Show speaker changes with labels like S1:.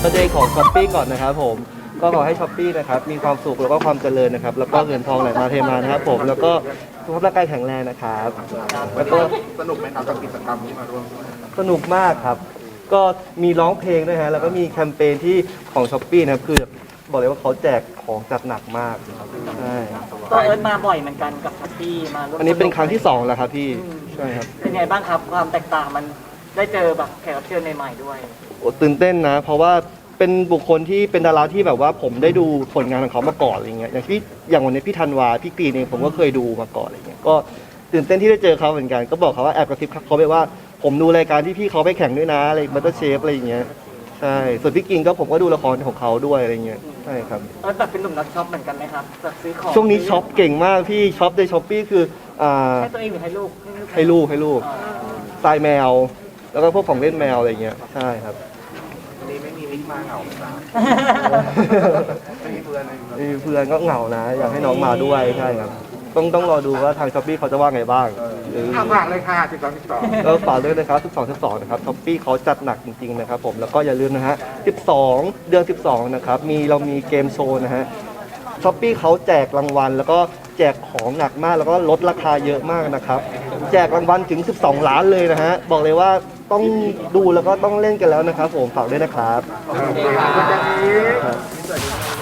S1: ก็เดย์ของช้อปปี้ก่อนนะครับผมก็ขอให้ช้อปปี้นะครับมีความสุขแล้วก็ความเจริญนะครับแล้วก็เงินทองไหลมาเทมานะครับผมแล้วก็สุขภาพร่างกายแข็งแรงนะครับแล้วก็
S2: สนุกไหมครับกับกิจกรรมที่มาร่วม
S1: สนุกมากครับก็มีร้องเพลงด้วยฮะแล้วก็มีแคมเปญที่ของช้อปปี้นะครับคือบอกเลยว่าเขาแจกของจัดหนักมากใช่
S3: ตัวเอิร์ธมาบ่อยเหมือนกันกับช้อปปี้มาร่วม
S1: อันนี้เป็นครั้งที่2แล้วครับพี่ใช่ครับ
S3: เป็นไงบ้างครับความแตกต่างมันได้เจอแบบแขกรับเชิญใหม่ๆด้วย
S1: โอ้ตื่นเต้นนะ เพราะว่าเป็นบุคคลที่เป็นดาราที่แบบว่าผมได้ดูผลงานของเขามาก่อนอะไรเงี้ยอย่างวันนี้พี่ธันวาพี่กรีนเองผมก็เคยดูมาก่อนอะไรเงี้ยก็ตื่นเต้นที่ได้เจอเขาเหมือนกันก็บอกเขาว่าแอบกระซิบเขาไปว่าผมดูรายการที่พี่เขาไปแข่งด้วยนะอะไรมัตเตอร์เชฟอะไรอย่างเงี้ยใช่ส่วนพี่กินก็ผมก็ดูละครของเขาด้วยอะไรเงี้ยใช่ครับ
S3: เอิร์ธแบบเป็นหนุ่มนักช็อปเหมือนกันไหมครับแบบซื้อของ
S1: ช่วงนี้ช็อปเก่งมากพี่ช็อปในช้อปปี้คือ
S3: ให้ตัวเองหรือให้ลูก
S1: ให้ลูกทรายแมว แล้วก็พวกของเล่นแมวอะไรเงี้ยใช่ครับ
S2: วันนี้ไม่มีมิกมาเหงาครับไม่มีเพื่อนเลย
S1: มีเพื่อนก็เหงานะ อยากให้น้องมาด้วยใช่ครับต้องรอดูว่าทางช้อปปี้เขาจะว่าไงบ้าง
S2: ฝากเลยค่ะ12
S1: ก็ฝากด้วยนะครับ12นะครับช้อปปี้เขาจัดหนักจริงๆนะครับผมแล้วก็อย่าลืมนะฮะ12 เดือน 12นะครับเรามีเกมโชว์นะฮะช้อปปี้เขาแจกรางวัล แล้วก็แจกของหนักมากแล้วก็ลดราคาเยอะมากนะครับแจกรางวัลถึง12 ล้านเลยนะฮะบอกเลยว่าต้องดูแล้วก็ต้องเล่นกันแล้วนะครับผมฝากด้วยนะครับ
S2: ขอบคุณครับ